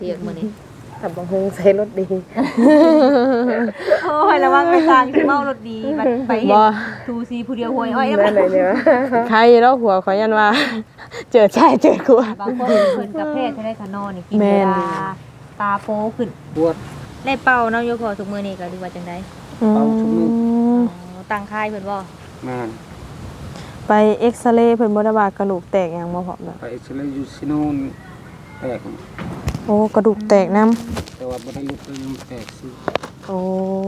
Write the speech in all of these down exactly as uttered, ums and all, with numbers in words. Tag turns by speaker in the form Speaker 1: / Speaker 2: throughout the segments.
Speaker 1: เรียกมื้อนี้
Speaker 2: ทำบังฮงใส่รถดี
Speaker 1: โอ้ยระวังไปทางสิเมารถดีบัดไปเห็นทูซีผู้เดียวหวยอ้อย
Speaker 2: นั่นเลยเนี่ย
Speaker 3: ใครแล้วหัวขอยันว่า เจอชายเจอกลัว
Speaker 1: บางคนเพิ่นกับแพทย์ให้ได้คะนอนี่กินเวลาตาโปขึ้น
Speaker 4: ปวด
Speaker 1: ได้เป่าเนาะโยขอทุกมื้อนี้ก็ดีว่าจังได๋
Speaker 4: เป่าทุกมื้อ
Speaker 1: ตั้งค่ายเพิ่นบ่
Speaker 4: แม่น
Speaker 3: ไปเอ็กซเรย์เพิ่นบ่ได้ว่ากระดูกแตกหยังบ่พร้อมน่ะ
Speaker 4: ไปเอ็กซเรย์อยู่ซิโน่นแตก
Speaker 3: โอ้กระดูกแตกนํ
Speaker 4: แต่ว่าบ่ได้ลุกเลยมันแตกซิ
Speaker 3: โอ้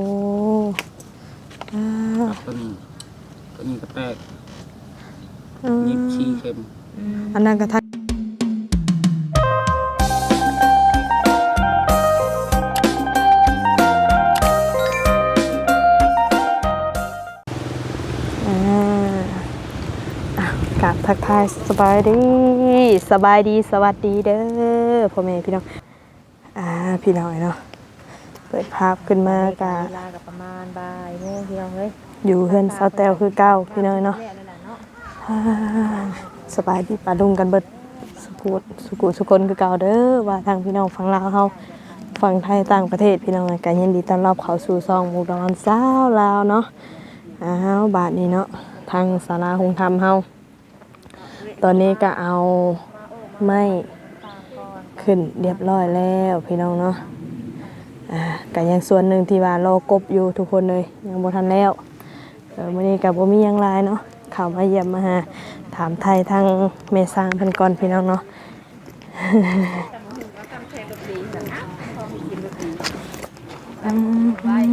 Speaker 3: อ่า
Speaker 4: ตัวนี้ตัวนี้ก็แตก
Speaker 3: อืม
Speaker 4: ยิบชี้เข็ม
Speaker 3: อันนั้นก็ทักอ่าอ่ะกราบทักทายสบายดีสบายดีสวัสดีเด้อพ่อแม่พี่น้องอ่าพี่น้อยเนาะเปิดภาพขึ้นมากะ
Speaker 1: เวลาก็ประมาณบ่ายโมงพี่น้องเอ้ย
Speaker 3: อยู่เฮือนเสาแตวคือเก้าพี่น้อยเนาะอ่าสบายดีปาดุงกันเบิดสุกุสุกุสุคนคือเก่าเด้อว่าทางพี่น้องฝั่งลาวเฮาฝั่งไทยต่างประเทศพี่น้องก็ยินดีต้อนรับเข้าสู่ซองหมู่ดอนสาวลาวเนาะอ้าวบาดนี้เนาะทางศาลาหงธรรมเฮาตอนนี้ก็เอาไม้ขึ้นเรียบร้อยแล้วพี่น้องเนาะอ่าก็ยังส่วนหนึ่งที่ว่ารอกบอยู่ทุกคนเลยยังบ่ทันแล้วเออมื้อนี้ก็บ่มีหยังหลายเนาะเข้ามาเยี่ยมมาหาถามไทยทางแม่สร้างเพิ่นก่อนพี่น้องเนาะ อืม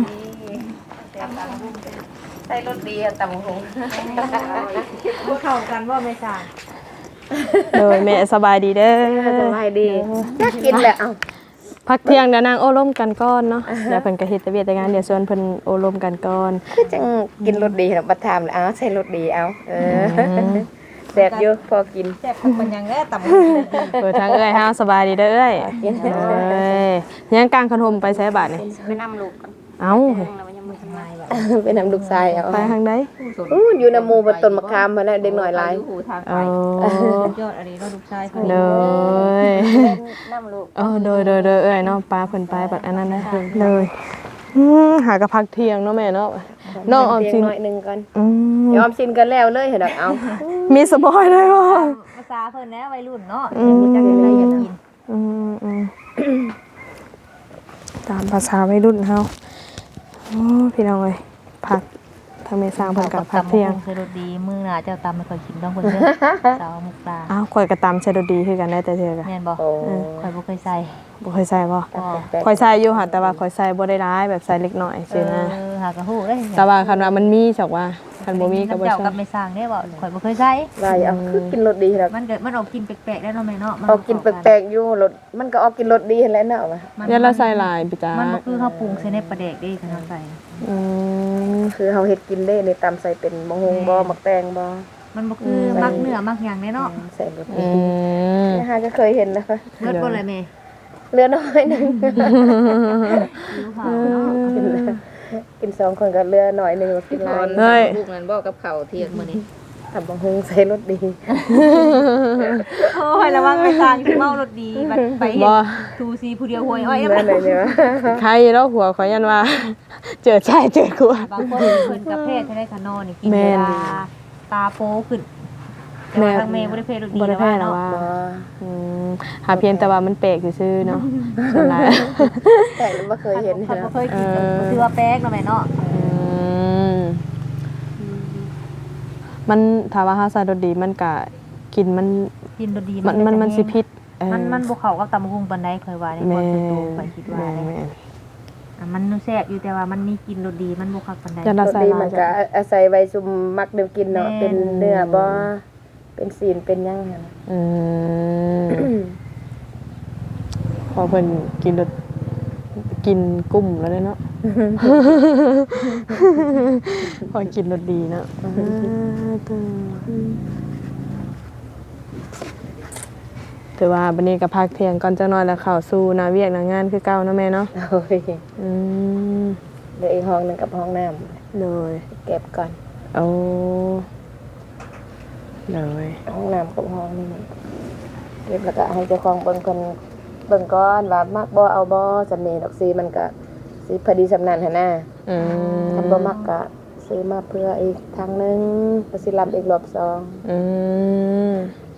Speaker 2: ใส่รถดีอะตำบังฮง
Speaker 1: บ่เข้ากันบ่แม่จ้า
Speaker 3: โดยแม่สบายดีเด้อ
Speaker 2: สบายดีอยากกินแหละเอ้า
Speaker 3: พักเที่ยงเดี๋ยวนางโอ้ร่มกันก่อนเนาะเดี๋ยวเพิ่นก็เฮ็ดแต่เวียกแต่งานเดี๋ยวชวนเพิ่นโอ้ร่มกันก่อน
Speaker 2: คือจังกินรถดีนะบัดถามเลยอ้าวใส่รถดีเอาเออแซ่บอยู่พอกิน
Speaker 1: แซ่บมันยังแล้ตำ
Speaker 3: เปิดทางเอ้ยเฮาสบายดีเด้อเอ้ยเอ้ยยังกลางขนมไปใช้บาทนี่
Speaker 2: ไปนำลูกก่อน
Speaker 3: เอ้า
Speaker 2: ไปนำลูกชายเอา
Speaker 3: ไปทางใด
Speaker 2: อู้อยู่นำหมู่บนต้นมะขามมาแล้วเด็กน้อยหลาย
Speaker 3: เออย
Speaker 1: อดอันนี้เนาะลูกชายเพิ่น
Speaker 3: เลย
Speaker 2: นำลูก
Speaker 3: เออโดยโดยโดยเอ้ยเนาะปลาเพิ่นไปบัดอันนั้นนะเลยอืมหากะพักเที่ยงเนาะแม่เนาะน้องออมสิน
Speaker 2: หน่อยนึงก่อน
Speaker 3: อืม
Speaker 2: ยอมสินกันแล้วเลยเห็นดอกเอา
Speaker 3: มีสปอยเลยว่ะ
Speaker 1: ภาษาเพิ่นนะวัยรุ่นเนาะ
Speaker 3: อืม
Speaker 1: รู้จักอะไรอยากกิน
Speaker 3: อืมอืมตามภาษาวัยรุ่นเฮาโอ้พี่น้องเอ้ยพักทางเมสร้างเพิ่นกับพักเที่ยง
Speaker 1: เคยรสดีมื้อหน้าเจ้าตำไม่ค่อยกินต้องเพิ่นเด้อสาวมุกตา
Speaker 3: อ้าวข่อยก็ตามใช้ดดีคือกันได้แต่เทื่อกัน
Speaker 1: แม่นบ่
Speaker 2: โอ้
Speaker 1: ข่อยบ่เคยใส่
Speaker 3: บ่เคยใส่บ่
Speaker 1: บ่
Speaker 3: ข่อยใส่อยู่ค่ะแต่ว่าข่อยใส่บ่ได้ร้ายแบบใส่เล็กน้อย
Speaker 1: เอ
Speaker 3: ซื่อนะ
Speaker 1: อหากระฮู้เด้
Speaker 3: แต่ว่าคันว่ามันมีสักว่าคันบ่มีก็บ่
Speaker 1: เจ้า
Speaker 3: ใช่
Speaker 1: กับไม่สร้างได้บ่ข่อยบ่เคยใส่
Speaker 2: ว่าอย่าเอาคือกินรสดีเห็นดอก
Speaker 1: มันเกิดมันออกกินแปลกๆได้เนาะแม่เนาะ
Speaker 2: เอากินแปลกๆอยู่รสมันก็ออกกินรสดีเห็นแล้วเนาะว่ะ
Speaker 1: มัน
Speaker 3: เดี๋ยวเราใส่หลายพี่จ้า
Speaker 1: มันบ่คือข้าวปรุงใส่ในปลาแดกเด้คันเฮาใส่
Speaker 3: อืม
Speaker 2: คือเฮาเฮ็ดกินได้ในตำใส่เป็นบะฮงบ่มักแตงบ่
Speaker 1: มันบ่คือมักเนื้อมักหยังเด้เนาะ
Speaker 2: ใส่รส
Speaker 3: อื
Speaker 2: ดี
Speaker 3: ม
Speaker 2: นะฮะก็เคยเห็นนะคะ
Speaker 1: เลิศบ่เลยแม่
Speaker 2: เหลือน้อยหนึง
Speaker 1: หิวข้าวเนาะ
Speaker 2: กินแล้วกินสองคนก็เหลือน้อยหนึงกินหลาย
Speaker 3: เฮ้ย
Speaker 1: ลูกนั้นบ่กับข้าวเที่ยงมื้อนี้
Speaker 2: ตำบะฮงใส่รสดี
Speaker 1: โอ้ยระวังไปทางสิเมารถดีบัดไปเห็น
Speaker 3: บ่
Speaker 1: ทูซีผู้เดียวหวยอ้อย
Speaker 2: นั่นเลยเนี่ย
Speaker 3: ใครแล้วหัวขอยันว่า เจอชายเจอกลัว
Speaker 1: บางคนเพิ่นกับแพทย์ให้ได้คะนอนี่กิน
Speaker 3: แม่
Speaker 1: เวน ลาตาโปขึ้นแต่ว่าทางแม่บ่ได้เพศรถดี
Speaker 3: บ่ได้แพ้
Speaker 1: เนาะ
Speaker 3: แล้วว่า
Speaker 2: บ่
Speaker 3: อืมหาเพียงแต่ว่ามันแปลกซื่อๆเนาะส่วนหลาย
Speaker 2: แต่บ่เคยเห็น
Speaker 1: เขา
Speaker 2: นะ
Speaker 1: บ่เคยกินก็ถือว่าแปลกเนาะแม่เนาะ
Speaker 3: อืมมันถ้าว่าเฮาใส่รสดีมันก็กินมัน
Speaker 1: กินรถดี
Speaker 3: มันมันมันสิพิษเออ
Speaker 1: มันมันบ่เข้ากับตำบักหุ่งปานใดค่อยว่าในค
Speaker 3: แม่
Speaker 1: วามเป็นตัวข่อยคิดว่า
Speaker 3: แม่
Speaker 1: เด้
Speaker 3: แม่
Speaker 1: อ่ะมันแซ่บอยู่แต่ว่ามันมีกลิ่นรสดีมันบ่คักปานใด
Speaker 3: จะ
Speaker 2: ร
Speaker 3: ละ
Speaker 2: ส
Speaker 3: ใส่
Speaker 2: ดี
Speaker 3: ลา
Speaker 2: มั
Speaker 3: ย
Speaker 2: นก็อาศัยไว้ซุมมักเดิมกินเนาะ
Speaker 1: แม่น
Speaker 2: เป็นเนื้อบ่เป็นศีลเป็นหยังหั่นน่ะ
Speaker 3: อืมพอเพิ่นกินรสกินกุ้มแล้วเนาะ พอกินรสดีเนาะแต่ว่าบันนี้ก็พักเที่ยงก่อนจักหน่อยแล้วเข้าสู่หน้าเวียกหน้างานคือเก่าเนาะแม่เนาะ
Speaker 2: โอ้ย
Speaker 3: อืม
Speaker 2: เหลืออีกห้องหนึงกับห้องน้ำ
Speaker 3: เลย
Speaker 2: เก็บก่อน
Speaker 3: โอ้เลย
Speaker 2: ห้องน้ำกับห้องนี่เก็บแล้วก็ให้เจ้าของเบิ่งคนเบิ่งก่อนว่ามักบ่เอาบ่สำเนีดอกสีมันก็สิพอดีสำนันหั่นน่ะ
Speaker 3: อืม
Speaker 2: คันบ่มักก็ซื้อมาเพื่ออีกทางหนึงก็สิลำอีกรอบสอง
Speaker 3: อืม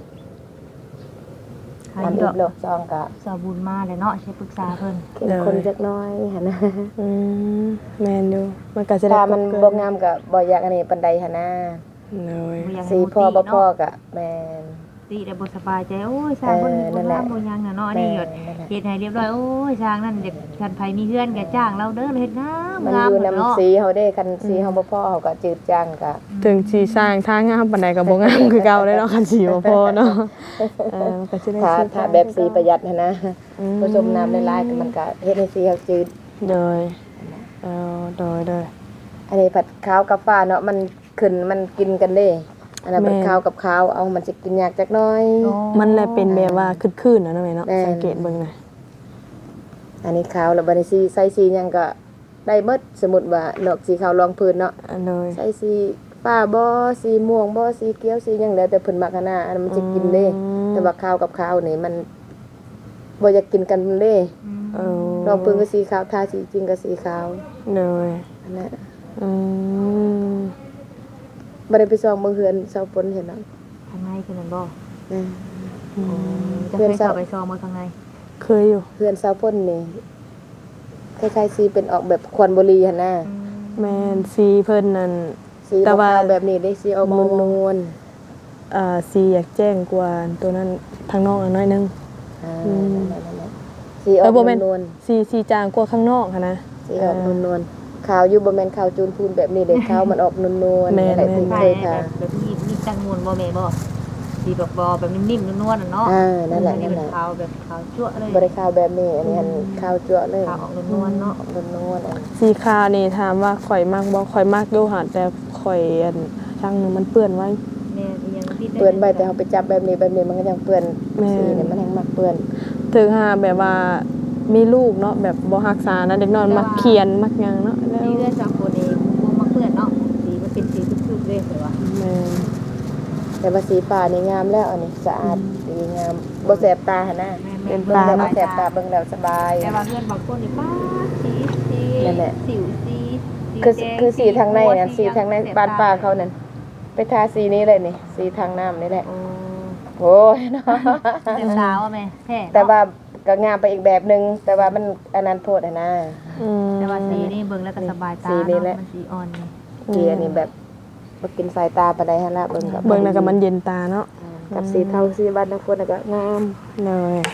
Speaker 1: ให้
Speaker 2: ลำ
Speaker 1: ด
Speaker 2: อี
Speaker 1: อก
Speaker 2: กรอบสองก็
Speaker 1: สาวบุญมาเลยเนาะใช้ปรึกษาเพิ่น
Speaker 2: เข้มข้นจักหน้อยหั่นน่ะ
Speaker 3: อืมแม่นอยู่มันก็จะได้
Speaker 2: ถ้ามัน
Speaker 3: เกิ
Speaker 2: บ่งามก็บ่อยากอันนี้ปานใดหั่นน่ะ
Speaker 3: เลย
Speaker 1: บ่อยากให้
Speaker 2: สี
Speaker 1: หมู่
Speaker 2: พ่อบ่
Speaker 1: ติ
Speaker 2: พ่อ
Speaker 1: เนาะ
Speaker 2: ก็แม่น
Speaker 1: ติได้บ่สบายใจโอ้ยสร้างเพิ่น
Speaker 2: เออนั่
Speaker 1: บ่
Speaker 2: นแหละ
Speaker 1: งามบ่หยังน่ะเนาะอันนี้
Speaker 2: แม่
Speaker 1: ก็
Speaker 2: นั่นแหละ
Speaker 1: เฮ็ดให้เรียบร้อยโอ้ยสร้างนั่นเด็กคันไผมีเฮือนก็จ้างเราเด้อเฮ็ดงาม
Speaker 2: มัน
Speaker 1: งาม
Speaker 2: อยู่
Speaker 1: เนาะ
Speaker 2: นำสีเฮาเด้คันสีเฮาบ่พอเฮาก็จืดจางก็
Speaker 3: ถึงสิสร้างทางงามปานใดก็บ่งามคือเก่าเลยเนาะคันสิบ่พอเนาะเออมันก็สิได้
Speaker 2: ถ้า
Speaker 3: ซื้อ
Speaker 2: ถ้าแบบสีประหยัดหั่นนะ
Speaker 3: อืม
Speaker 2: ผสมน้ำหลายๆก็มันก็เฮ็ดให้สีเฮาจืด
Speaker 3: เลยเออโดยโดย
Speaker 2: อันนี้ผัดข้าวกับฟ้าเนาะมันขึ้นมันกินกันเด้อันนั้น
Speaker 3: แม่
Speaker 2: ผัดข้าวกับข้าวเอามันสิกินยากจักหน้อย
Speaker 1: โอ้
Speaker 3: มันเลยเป็นแบบว่าคืนๆนะเนาะแม่เนาะ
Speaker 2: แม่น
Speaker 3: สังเกตเบิ่งหน่อย
Speaker 2: อันนี้ข้าวแล้วบัดนี้สีใส่สีหยังก็ได้เบิดสมมุติว่าดอกสีขาวรองพื้นเนาะ
Speaker 3: อันเลย
Speaker 2: ใส่สีฟ้าบ่สีม่วงบ่สีเขียวสีหยังแล้วแต่เพิ่นมักหันน่ะอันนั้นมันสิกินเด้แต่ว่าข้าวกับข้าวนี่มันบ่อยากกินกันเด้
Speaker 3: เออ
Speaker 2: รองพื้นก็สีขาวทาสีจริงก็สีขาว
Speaker 3: เลย
Speaker 2: อันนั้น
Speaker 3: อืม
Speaker 2: บ่ได้ไปส่องเบิ่งเฮือนเสาฝนเห็นเนาะ
Speaker 1: ข้างในคือนั่นบ่
Speaker 2: อืม
Speaker 3: อืม
Speaker 1: จะเคยเข้าไปซองบ่ข้างใน
Speaker 3: เคยอยู่
Speaker 2: เฮือนเสาฝนนี่คล้ายๆสีเป็นออกแบบควันบุหรี่หั่นน่ะ
Speaker 3: แม่นสีเพิ่นนั่น
Speaker 2: สี
Speaker 3: แต่ว่า
Speaker 2: ขาวๆแบบนี้ได้สีออก
Speaker 3: มอง
Speaker 2: นวล
Speaker 3: อ่าสีอยากแจ้งกว่าตัวนั้นทางนอกอันน้อยนึง
Speaker 2: ๆอ่า
Speaker 3: อืม
Speaker 2: นั่นๆๆสีออ
Speaker 3: เออก บ่แม่น
Speaker 2: นวล
Speaker 3: สีสีจางกว่าข้างนอกค่ะนะ
Speaker 2: ๆสีออกนวลๆขาวอยู่บ่แม่นขาวจูนพูนแบบนี้เด้ขาวมันออกนวลๆ
Speaker 3: แม่น
Speaker 2: นั่นแหละ
Speaker 3: แม่น
Speaker 2: ที่
Speaker 1: ใช่
Speaker 2: เคย
Speaker 1: แบ
Speaker 2: ทา
Speaker 1: บแบบนี้มีจังมวนบ่แม่บ่สีแบบบ่แบบนิ่มๆนวลๆน่ะเนาะ
Speaker 2: อ่านั่นแหละ
Speaker 1: อั
Speaker 2: นั่น
Speaker 1: เป็
Speaker 2: แหละ
Speaker 1: ขาวแบบขาวจั่วเลย
Speaker 2: บ่ได้ขาวแบบนี้อันนี้หันขาวจั่วเลย
Speaker 1: ขาวออกนวลๆเนาะ
Speaker 2: ออกนวลๆอัน
Speaker 3: สีขาวนี่ถามว่าข่อยมากบ่ข่อยมากอยู่หาแต่ข่อยอันทางหนึงมันเปื้อนไว้
Speaker 1: แม่อีหยังติดได้
Speaker 2: เปื้อนใบแต่เฮาไปจับแบบนี้แบบนี้มันก็ยังเปื้อน
Speaker 3: แม่น
Speaker 2: สีนี่มันยังมักเปื้อน
Speaker 3: ถึงหาแบบว่ามีลูกเนาะแบบบ่รักษานะเด็กน้อยมักเขียนมักหยังเนาะแล้ว
Speaker 1: นี่เลือดจากคนเองบ่มาเปื้อนเนาะสีมันเป็นสีทึบๆเลยเหรอวะ
Speaker 3: แม่น
Speaker 2: แต่ว่าสีฟ้านี่งามแล้วอันนี้สะอาดดีงามบ่แสบตาหั่นน่ะ
Speaker 1: แม่
Speaker 3: เป็น
Speaker 2: เบิ่ง
Speaker 3: ปลา
Speaker 2: แล้วบ่
Speaker 3: เนาะ
Speaker 2: แสบตาเบิ่งแล้วสบาย
Speaker 1: แต่ว่าเพื่อนบางคนนี่ป้าสีสี
Speaker 2: นั่นแหละ
Speaker 1: สิวสีสี
Speaker 2: คือ
Speaker 1: แดง
Speaker 2: คือสีทางในนั่น
Speaker 1: โพ
Speaker 2: สีทางในบ้านป้าเขานั่นไปทาสีนี้เลยนี่สีทางน้ำนี่แหละ
Speaker 1: โอ้
Speaker 2: โอ้ยเนาะ
Speaker 1: เต็มสาวอ่ะแม่แท้เนะ
Speaker 2: แต่ว่าก็งามไปอีกแบบหนึงแต่ว่ามันอันนั้นโพดอะนะ
Speaker 3: อืม
Speaker 1: แต่ว่าสีนี่เบิ่งแล้วก็สบายตา
Speaker 2: สีนี่
Speaker 1: เนาะ
Speaker 2: แหละ
Speaker 1: มันสีอ่อนนี่
Speaker 2: สีอันนี้แบบบ่กินสายตาปานใดหั่นล่ะเบิ่งกับ
Speaker 3: เบิ่งแล้วก็มันเย็นตาเนาะ
Speaker 2: กับสีเทาสีบ้านทางคนน่ะก็งาม
Speaker 3: เลย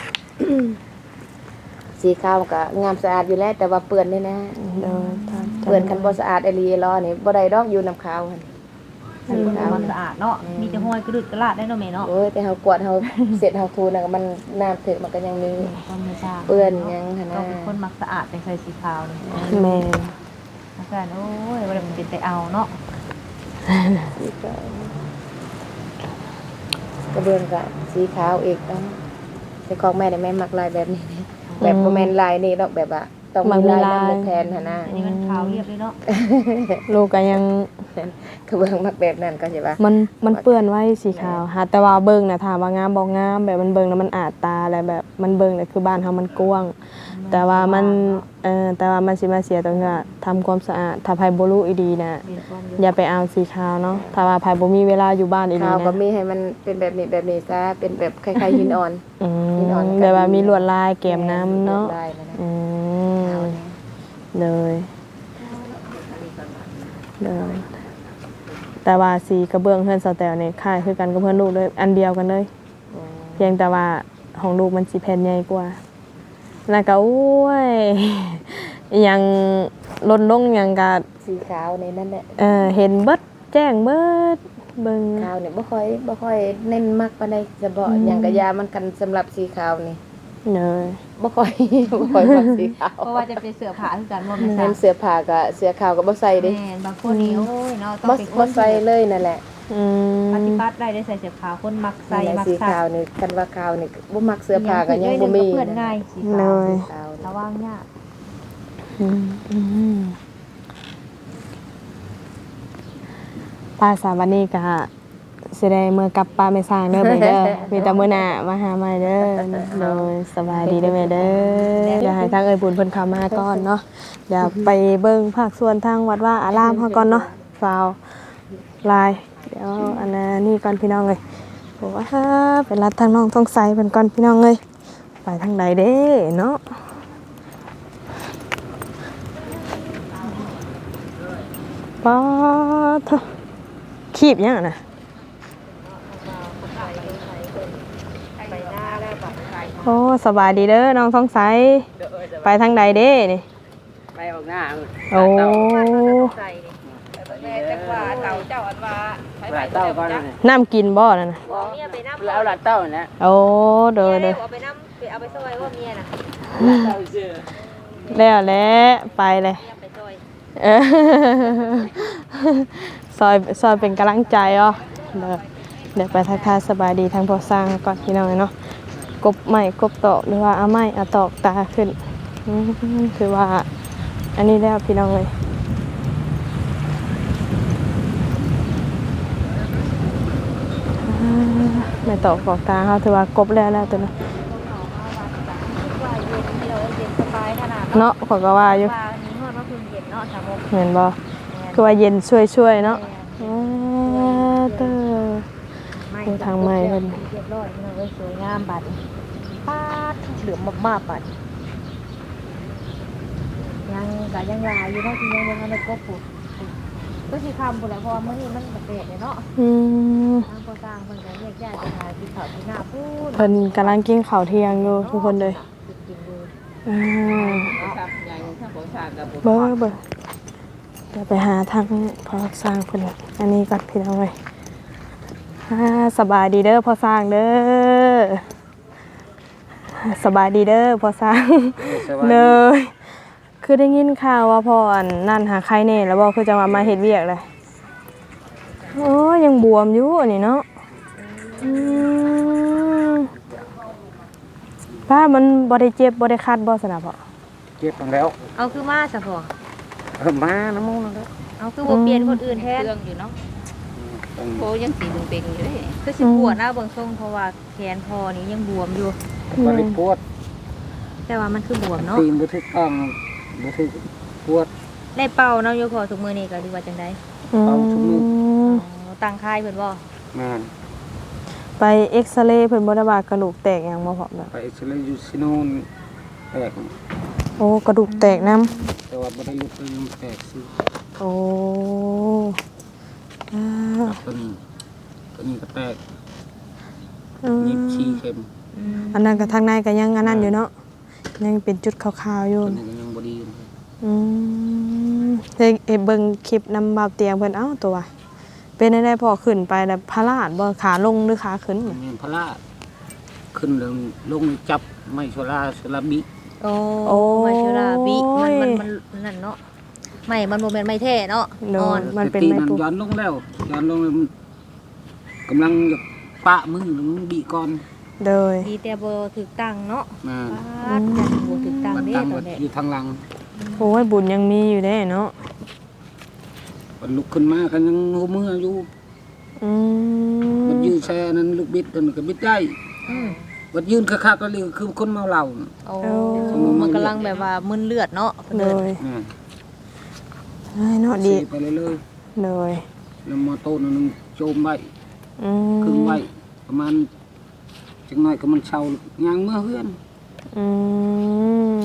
Speaker 2: สีขาวก็งามสะอาดอยู่แล้วแต่ว่าเปื้อนนี่นะ
Speaker 3: เลยตาม
Speaker 2: เปื้อนคันบ่สะอาดไอหลีล้อนี่บ่ได้ดอกอยู่น้ำขาวหั่น
Speaker 1: สีมันสะอาดเนาะมีแต่ห้อยกระดุดกระลาดได้เนาะแม่เนาะ
Speaker 2: โอ้ยแต่เฮากวาดเฮาเสร็จเฮาทูน่ะก็มันน้ำถึกมันก็ยังมี
Speaker 1: ก็ไม่ทราบ
Speaker 2: เปื้อนหยังหั่น
Speaker 1: ก็
Speaker 2: น่ะ
Speaker 1: เป็นคนมักสะอาดแต่ใส่สีขาวนี่
Speaker 3: แม่
Speaker 1: อาจารย์โอ้ยว่ามันเป็นแต่เอาเนาะ
Speaker 2: กระเบื้องก็สีขาวอีกเนาะแต่ของแม่นี่แม่มักลายแบบนี้นะแบบบ่แม่นลายนี่ดอกแบบว่าต้องมีลายนำแทนหั่นน่ะ
Speaker 1: อันนี้มันขาวเรียบเลยเนาะ
Speaker 3: ลูกก็ยัง
Speaker 2: กระเบื้องมักแบบนั้นก็สิว่า
Speaker 3: มันมันเปื้อนไว้สีขาวหาแต่ว่าเบิ่งน่ะถามว่างามบ่งามแบบมันเบิ่งแล้วมันอาดตาแล้วแบบมันเบิ่งแล้วคือบ้านเฮามันกว้างแต่ว่ามันเอ่อแต่ว่ามันสิมาเสียตรงที่ว่าทำความสะอาดถ้าไผบ่รู้อีดีน่ะ
Speaker 1: เรียนความเย
Speaker 3: อย่าไปเอาสีขาวเนาะถ้าว่าไผบ่มีเวลาอยู่บ้านอีดี
Speaker 2: ขาวก็
Speaker 3: นะ
Speaker 2: มีให้มันเป็นแบบนี้แบบนี้ซะเป็นแบบคล้ายๆหินอ่อน
Speaker 3: อื
Speaker 2: หินอ่อน
Speaker 3: ม
Speaker 2: ก็
Speaker 3: แบบว่า
Speaker 2: ดี
Speaker 3: มีลวดลายแก้มน้ำเนาะ
Speaker 2: ลายนั่นน่ะ
Speaker 3: อื
Speaker 2: ขาว
Speaker 3: ม
Speaker 2: นี่
Speaker 3: เลยเลยแต่ว่าสีกระเบื้องเพื่อนสแตลเนี่ยคล้ายคือกันกับเพื่อนลูกเลยอันเดียวกันเลย
Speaker 2: อืม
Speaker 3: เพียงแต่ว่าของลูกมันสีแผ่นใหญ่กว่าแล้วก็โอ้ยอิหยังลดลงหยังกะ
Speaker 2: สีขาวนี่นั่นแหละ
Speaker 3: เออเห็นเบิดแจ้งเบิดเบิ่ง
Speaker 2: ขาวนี่บ่ค่อยบ่ค่อยเน้นมักปานใดจะบ่หยังกะยามันกันสำหรับสีขาวนี่
Speaker 3: เลย
Speaker 2: บ่ค่อย บ่ค่อยมักสีขาว
Speaker 1: เพราะว่าจะเป็นเสื้อผ้าคือกันบ่แม่น
Speaker 2: เน้นเสื้อผ้าก็เสื้อขาวก็บ่ใส่เด้
Speaker 1: แม่นบางคนนี่โอ้ยเนาะต้อง
Speaker 2: บ่
Speaker 1: เป็นค
Speaker 2: บ่
Speaker 1: น
Speaker 2: ใส่เลยนั่นแหละ
Speaker 3: อืม
Speaker 1: ปฏิบัติได้ได้ใส่เสื้อขาวคนมักใส่
Speaker 2: นั่นแหละ
Speaker 1: มัก
Speaker 2: สี
Speaker 1: ซั
Speaker 2: ขาว
Speaker 1: ก
Speaker 2: นี่คันว่าขาวนี่บ่มักเสื้อผ้าก็ยังบ่มี
Speaker 1: เพื่อนง่ายสี
Speaker 3: เล
Speaker 1: ขาวย
Speaker 2: ขาว
Speaker 1: ระวังยาก
Speaker 3: อืมอืมภาษาวันนี้ก็สิได้เมื่อกลับป้าไม่สร้างเด้อไปเด้อ มีแต่มื้อหน้ามาหาใหม่เด้อโดยสบายดีเด้อแม่เด้อเดี๋ยวให้ทางเอ้ยบุญเพิ่นเข้ามาก่อนเนาะเดี๋ยวไปเบิ่งภาคส่วนทางวัดว่าอารามเฮาก่อนเนาะฟาวลายเดี๋ยวอันนั้นนี่ก่อนพี่น้องเอ้ยโอ้ว่าเป็นรัดทางน้องต้องใส่เพิ่นก่อนพี่น้องเอ้ยไปทางใดเด้เนาะป๊าดคีบยังน่ะโอ้สบายดีเด้อน้องท้องใสไปทางใดเด้นี่
Speaker 5: ไปออกหน้า
Speaker 3: โอ้
Speaker 1: ใส่แม่จักว่าเต่าเจ้าอันว่า
Speaker 5: หลานเต้าก่อนนี่
Speaker 3: น้ำกินบ่นั่นน่ะ
Speaker 1: บอกเมียไปน้ำ
Speaker 5: แล้วหลานเต้าเนี่ย
Speaker 3: โอ้เด้อเด้อ
Speaker 1: เอาไปน้ำไปเอาไปซอยว่าเมียน่ะ
Speaker 3: แล้วแหละไปเลย
Speaker 1: เมียไปซอย
Speaker 3: เออซอยซอยเป็นกำลังใจอ่ะเดี๋ยวเดี๋ยวไปทักทายสบายดีทางพอสร้างก่อนพี่น้องเนาะกบไม้กบตอกหรือว่าเอาไม้เอาตอกตาขึ้นอืมคือว่าอันนี้แล้วพี่น้องเลยอ่าไม่ตอกตอกตาเขาถือว่ากบแล้วแล้วตัวเนาะ
Speaker 1: ว่าเย็นเราเย็นสบายขนาด
Speaker 3: เนาะขอยก็ว่าอยู่
Speaker 1: ว่านี้ฮอดว่าเพิ่งเย็นเนาะสามโมง
Speaker 3: เห็นบ่คือว่าเย็นช่วยๆเนาะอ่าเด้อ ดูทางไม้เพิ่น
Speaker 1: เรียบร้อยพี่น้องเอ้ยสวยงามบัดปาดเหลือมมากๆบัดยังก็ยังลายอยู่เนาะที่ยังบ่ทันได้กบปุ๊บก็สิคำพุ่นแหละเพราะว่ามื้อนี้มันก็เปะเลยเนาะ
Speaker 3: อืม
Speaker 1: ทางก่อสร้างเพิ่นก็แยกย้ายไปหาที่เขาที่หน้าพูน
Speaker 3: เพิ่นกำลังกินข้าวเที่ยงอยู่ทุกคนเลยอ่าเบอร์เบอร์เดี๋ยวไปหาทางพอสร้างเพิ่นอันนี้ก่อนพี่น้องเอ้ยอ่าสบายดีเด้อพอสร้างเด้อสบายดีเด้อพอสร้างเลยคือได้ยินข่าวว่าพออันนั่นหาใครแน่แล้วบ่คือจะมามาเฮ็ดเวียกเลยโอ้ยังบวมอยู่อันนี้เนาะอืมป้ามันบ่ได้เจ็บบ่ได้คัดบ่สนะพ่อ
Speaker 4: เจ็บแล้ว
Speaker 1: เอาคือมาซะพ่อ
Speaker 4: เออมาน้ำมูกนั่นแหละ
Speaker 1: เอาคือบ่เปลี่ยนคนอื่นแทน
Speaker 5: เรื่องอยู่เนาะ
Speaker 4: ต้อง
Speaker 5: โคยังสีเป่งๆอยู่เลย
Speaker 1: คือสิปวดหน้าเบิ่งทรงเพราะว่าแขนพ่อนี่ยังบวมอยู่
Speaker 4: บริปวด
Speaker 1: แต่ว่ามันคือบวมเนาะ
Speaker 4: ตีนบุทึกต้องบุทึกปวด
Speaker 1: ได้เป่าเนาะโยพอทุกมื้อนี้ก็ดีว่าจังได๋
Speaker 4: เอาทุกมื้อ
Speaker 1: อ๋อตั้งค่ายเพิ่นบ่
Speaker 4: แม่น
Speaker 3: ไปเอ็กซเรย์เพิ่นบ่ได้ว่ากระดูกแตกหยังบ่พอแบบ
Speaker 4: ไปเอ็กซเรย์อยู่ซิโนนแตก
Speaker 3: โอ้กระดูกแตกนํ
Speaker 4: แต่ว่าบ่ได้ลุกเลยมันแตกซื้อ
Speaker 3: โอ้อ่า
Speaker 4: ตัวนี้ตัวนี้ก็แตก
Speaker 3: อืม
Speaker 4: ยิบชี้เข็ม
Speaker 3: อันนั้นก็ทางในก็ยังอันนั้นอยู่เนาะยังเป็นจุดขาวๆอยู่
Speaker 4: ตัวนี้ก็ยังบ่ดีอยู่
Speaker 3: อืมเฮ้ยเอ้ยเบิ่งคลิปนำบ่าวเตียงเพิ่นเอ้าตัวเป็นได้พอขึ้นไปแล้วพลาดบ่ขาลงหรือขาขึ้น
Speaker 4: มันมีพระขึ้นลงลงจับไม่โซลาโซลาบิ
Speaker 1: โอ้มาชุราบิมันมันมันนั่นเนาะไม่มันบ่แม่นไม่แท้เนาะ
Speaker 3: โด
Speaker 1: อ่อน
Speaker 3: นมันเป็น
Speaker 4: ตี
Speaker 3: ไม้
Speaker 4: มัน
Speaker 3: ปู
Speaker 4: ย้อนลงแล้วย้อนลงแล้วมันกำลังจะปะมือมันบีก่อน
Speaker 3: โดย
Speaker 1: ดีแต่บ่ถูกตั้งเนาะ
Speaker 4: มา
Speaker 1: ปาดยันบ่ถูกตั้ง
Speaker 4: มัน
Speaker 1: เด้
Speaker 4: ตั้ง
Speaker 1: ตอ
Speaker 4: ไว้
Speaker 1: นนี้
Speaker 4: อยู่ทางหลัง
Speaker 3: โอ้ยบุญยังมีอยู่เด้เนาะ
Speaker 4: มันลุกขึ้นมากันยังหัวมืออยู่
Speaker 3: อืม
Speaker 4: มันยืนแช่นั้นลูกบิดกันก็บิดได้
Speaker 1: อืม
Speaker 4: มันยืนคักๆก็เลยคือคนเมาเหล้าน่ะ
Speaker 1: โอ้มันกำลังแบบว่ามึนเลือดเนาะ
Speaker 3: โดย
Speaker 4: อ่า
Speaker 3: เอ้ยเนาะดี
Speaker 4: สีไปเลยเลย
Speaker 3: โดย
Speaker 4: แล้วมอโต้นนึงโจมไว้
Speaker 3: อืม
Speaker 4: ครึ่งไว้ประมาณจังน้อยก็มันเช่ายางเมื่อเฮือน
Speaker 3: อืม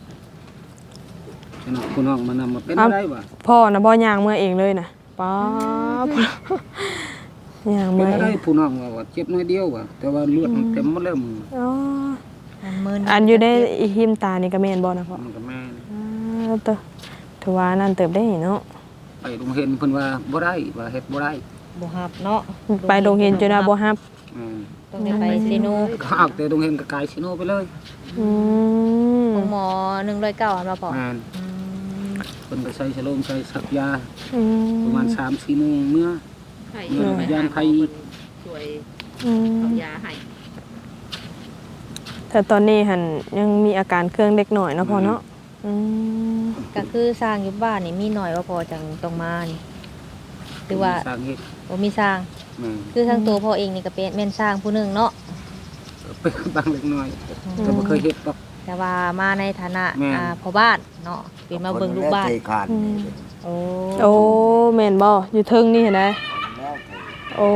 Speaker 4: ฉะนั้นคุณน้องมานำมาเป็นอะไรบ่
Speaker 3: พ่อนะบ่ย่างเมื่อเองเลยนะป๊าบย่าง
Speaker 4: เป็
Speaker 3: เมื่
Speaker 4: น
Speaker 3: อ
Speaker 4: อะไร
Speaker 3: เอง
Speaker 4: ผู้น้องว่าว่าเจ็บน้อยเดียวว่ะแต่ว่าเลือดมันเต็มหมดแล้วมึง
Speaker 3: อ๋อ
Speaker 1: มันมึน
Speaker 3: อันอยู่ในอีหิมตานี่ก็แม่นบ่นะพ่อ
Speaker 4: มันก็แม่น
Speaker 3: อ่าเตอถือว่านั่นเติบได้เนาะ
Speaker 4: ไปโรงเรียนเพิ่นว่าบ่ได้ว่าเฮ็ดบ่ได้
Speaker 1: บ่ฮับเนาะ
Speaker 3: ไปโรงเรียนจนว่าบ่ฮับ
Speaker 4: อืม
Speaker 1: ต้องได้ไปเซโน
Speaker 4: ก็เอาแต่โรงเรียนก็กลายซิโนไปเลย
Speaker 3: อืม
Speaker 1: ของหมอหนึ่งร้อยเก้าอันมาพอ
Speaker 4: แม่น
Speaker 1: อืม
Speaker 4: เพิ่นก็ใช้ฉลมใช้สักยา
Speaker 3: อืม
Speaker 4: ประมาณสามสี่โมงเมื่อ
Speaker 5: ให้
Speaker 4: เมื่อยามไผ
Speaker 5: ช่วย
Speaker 3: อืม
Speaker 5: เอายาให้
Speaker 3: แต่ตอนนี้หันยังมีอาการเครื่องเล็กหน่อยเนาะพ่อเนาะอืม
Speaker 1: ก็คือสร้างอยู่บ้านนี่มีหน่อยว่าพอจังต้องมานี่หรือว่า
Speaker 4: สร้างเฮ็ด
Speaker 1: บ่มีสร้าง
Speaker 4: มแม่น
Speaker 1: คือทั้งตัวพ่อเองนี่ก็เป็นแม่นสร้างผู้หนึงเนาะ
Speaker 4: เป็นบางเล็กน้อยก็บ่เคยเฮ็ดดอก
Speaker 1: แต่ว่ามาในฐานะ
Speaker 4: แม่น
Speaker 1: อ่าพ่อบ้านเนาะเป็นมาเบิ่งลูกบ้าน
Speaker 3: อืม
Speaker 1: โอ้
Speaker 3: โอ้แม่นบ่อยู่เทิงนี่เห็นไหมโอ้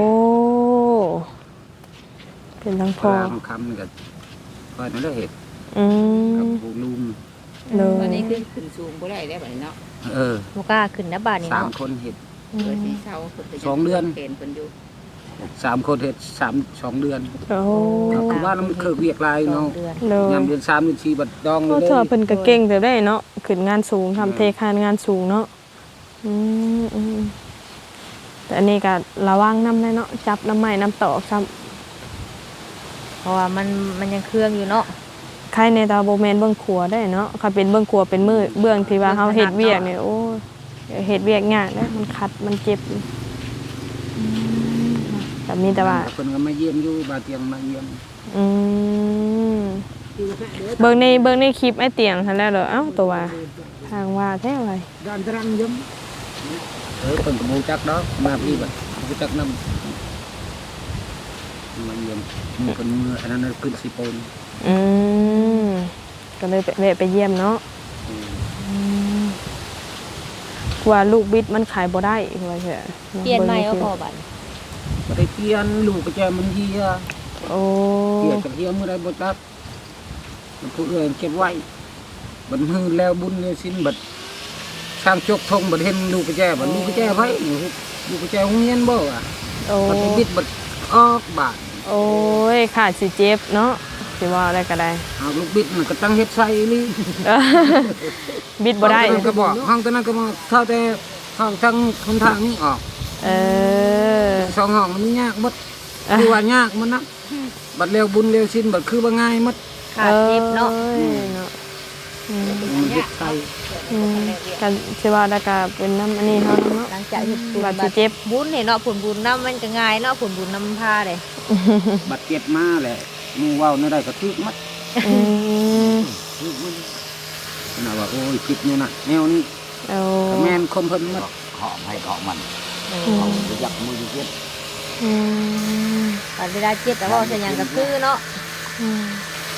Speaker 3: เป็นทั้ง
Speaker 4: พ
Speaker 3: พ่อ
Speaker 4: อคำนี่ก็ก็นั่นแหละเฮ็ด
Speaker 3: อื
Speaker 4: กับ
Speaker 3: ม
Speaker 4: ผู้ลุง
Speaker 3: เล
Speaker 5: วัน
Speaker 3: ย
Speaker 5: นี้คือขึ้นสูงบ่ได้แล้วบัดนี้เนาะ
Speaker 4: เออ
Speaker 1: บ่กล้าขึ้นนะบ้านนี่
Speaker 4: สาม
Speaker 1: เนาะ
Speaker 4: คนเฮ็ด
Speaker 5: เปิดที่เช้าเพิ่นก็
Speaker 4: สองเดือน
Speaker 5: เห็นเพิ่นอยู่
Speaker 4: สามคนเฮ็ดสามสองเดือน
Speaker 3: โอ้
Speaker 4: ก็คือว่ามันเคยเวียกหลาย
Speaker 1: สอ
Speaker 4: เนาะ
Speaker 1: งเดือน
Speaker 3: เลย
Speaker 4: ยามเดือนสามเดือนสี่บัดดองเล
Speaker 3: โอ้
Speaker 4: ย
Speaker 3: เธอเพิ่นก็เก่งแต่ได้เนาะขึ้นงานสูงทำเทคานงานสูงเนาะอืมอืมแต่อันนี้ก็ระวังน้ำได้เนาะจับน้ำไม้น้ำตอกซ้
Speaker 1: เพราะว่ามันมันยังเครื่องอยู่เนาะ
Speaker 3: ำใครในตาโบแมนเบื้องครัวได้เนาะเขาเป็นเบื้องครัวเป็นมือเบื้องที่ว่าเขาเฮ็ดเวียกเนี่ยโอ้ยเฮ็ดเวียกยากนะมันคัดมันเจ็บอืมแต่มีแต่ว่า
Speaker 4: เพิ่นก็มาเยี่ยมอยู่บาเตียงมาเยี่ยม
Speaker 3: อืมเบิ่งในเบิ่งในคลิปไอ้เตียงทันแล้วเหรอเอ้าตัวว่าทางว่าแท้ไว้
Speaker 4: ด้านตรังยมเออเพิ่นก็บ่รู้จักดอกมาพี่บัดรู้จักนำมาเยี่ยมหมู่เพิ่นมืออันนั้นน่ะขึ้นสิโปน
Speaker 3: อืมก็เลยไปแวะไปเยี่ยมเนาะ
Speaker 4: อืม
Speaker 3: อืมกว่าลูกบิดมันขายบ่ได้ว่าเถอะ
Speaker 1: เปลี่ยนใหม่เอาพ่อบัด
Speaker 4: บ่ได้เปลี่ยนลูกก็แจมันเหีย
Speaker 3: โอ้
Speaker 4: เหียกับเหียมื้อใดบ่ตัดมันผู้อื่นเก็บไว้บัดฮือแล้วบุญเนี่ยสิ้นบัดสร้างจกทงบัดเห็นลูกก็แจบัดลูกก็แจไว้ลูกก็แจโรงเรียนบ่อ่ะ
Speaker 3: โอ้
Speaker 4: บัดไปบิดบัดออกบาด
Speaker 3: โอ้ยขาดสิเจ็บเนาะสิว่าอะไรก็ได้
Speaker 4: เอาลูกบิดมันก็ตั้งเฮ็ดใส่นี่
Speaker 3: บิดบ่ได้
Speaker 4: ห้องตอนนั้นก็บอกห้องตอนนั้นก็บอกเท่าแต่ห้องทางคนทางนี้ออก
Speaker 3: เออ
Speaker 4: สองห้องมันยากหมดคือว่ายากมันนะบัดเร็วบุญเร็วสิ้นบัดคือว่าง่ายหมด
Speaker 1: ขาดเจ็บเนาะ
Speaker 3: อ้ยเนาะอืม
Speaker 4: มันเฮ็ดใส่
Speaker 3: อืมกันสิว่าแล้วก็เป็นน้ำอันนี้เฮาเนาะ
Speaker 1: หลังจากเฮ็ดบุญ
Speaker 3: บาดสิเจ็บ
Speaker 1: บุญนี่เนาะผลบุญนำมันก็ง่ายเนาะผลบุญนำพาเด้
Speaker 4: บัดเก็บมาแหละหมูเว้าในได้ก็ทึกมัด
Speaker 3: อืม
Speaker 4: ทึกมันน่ะว่าโอ้ยคิดนี่น่ะแนวนี้
Speaker 3: เอา
Speaker 4: ก็แม่นคมเพิ่นมัดเคาะให้เคาะมัน
Speaker 3: อืม
Speaker 4: ยักมือเก็บ
Speaker 3: อืม
Speaker 1: บัดเวลาเจ็บแต่ว่าจะหยังก็คือเนาะ
Speaker 3: อืม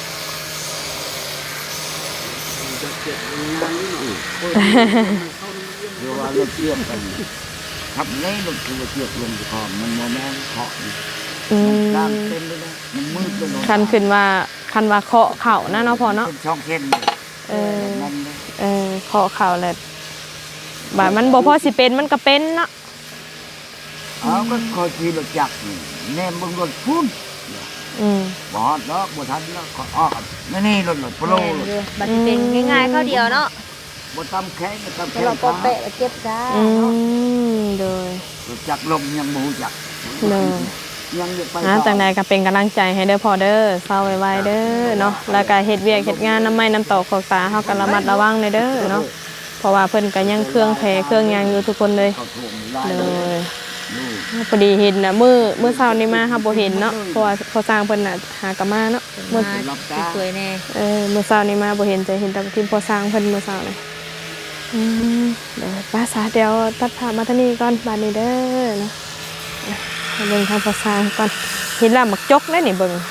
Speaker 4: เดี๋ยวว่าเราเทียบกันทับไงมันคือว่าเทียบลงคอมันบ่แม่นเคาะนี่
Speaker 3: อืม
Speaker 4: ด้านเต็มเลยนะมันมืดเลยเนาะ
Speaker 3: คันขึ้นว่าคันว่าเคาะเข่านะเนาะพอเนาะ
Speaker 4: เป็นช่องเส้น
Speaker 3: เออ
Speaker 4: นั่นเลย
Speaker 3: เออเคาะเข่าแหละบาดมันบ่พอสิเป็นมันก็เป็นเนาะ
Speaker 4: เอาก็คอยขี่รถจักรนี่แนมเบิ่งรถพุ่น
Speaker 3: อืม
Speaker 4: บ่ฮอดดอกบ่ทันแล้วก็ออกนี่นี่รถรถโปร
Speaker 1: แม่นอยู่บัดสิเป็นง่ายๆเข้าเดียวเนาะ
Speaker 4: บ่ตำแข้งบ่ตำ
Speaker 1: แต่
Speaker 4: แข้ง
Speaker 1: เราก็เตะเจ็บจ้า
Speaker 3: อื
Speaker 1: เนาะ
Speaker 3: มโดย
Speaker 4: รถจักรลมยังบ่รู้จัก
Speaker 3: เลย
Speaker 4: ยังอยากไป
Speaker 3: อ่าจังใดก็เป็นกำลังใจให้เด้อพอเด้อเศร้าไว้ๆเด้อเนาะแล้วก็เฮ็ดเวียกเฮ็ดงานน้ำไม้น้ำตอกขอกตาเฮาก็ระมัดระวังเด้อเนาะเพราะว่าเพิ่นก็ยังเครื่องแผลเครื่องหยังอยู่ทุกคนเลย
Speaker 4: เขาท่วมหลาย
Speaker 3: เล
Speaker 4: เลย
Speaker 3: ยพอดีเห็นน่ะมื้อมื้อเช้านี้มาเฮาบ่เห็นเนาะเพราะว่าเขาสร้างเพิ่นน่ะหากะมาเนาะมื้อ
Speaker 1: มาสวยๆแน่
Speaker 3: เออมื้อเช้านี้มาบ่เห็นจะเห็นแต่ทีมพอสร้างเพิ่นมื้อเช้านี่อืมเดี๋ยวป้าสาเดี๋ยวตัดภาพมาทางนี้ก่อนบัดนี้เด้อเนาะอ่ะมาเบิ่งทางพอสร้างก่อนเห็นแล้วหมักจกได้นี่เบิ่ง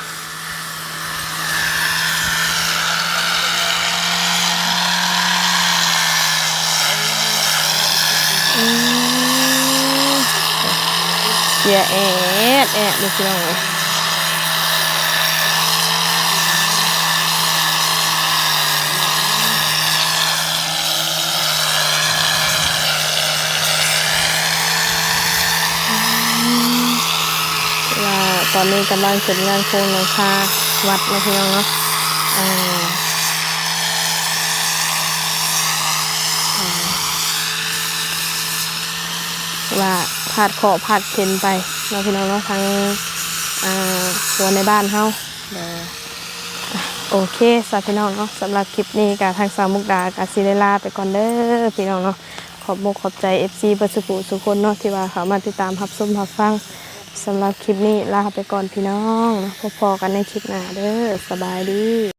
Speaker 3: อืมเสียแอดแอดดูสิน้องเอ้ยว่าตอนนี้กำลังเสร็จงานโครงหลังคาวัดนะพี่น้องเนาะอ่าอ่าว่าผาดขอผาดเข็นไปเนาะพี่น้องเนาะทางอ่าหัวในบ้านเฮาเดี๋ยวอ่ะโอเคสำหรับพี่น้องเนาะสำหรับคลิปนี้กับทางสาวมุกดากับซิเลลาไปก่อนเด้อพี่น้องเนาะขอบมุกขอบใจ เอฟ ซี เบอร์สุขุสุคนเนาะที่ว่าเขามาติดตามรับชมรับฟังสำหรับคลิปนี้ลาไปก่อนพี่น้องนะพบกันในคลิปหน้าเด้อสบายดี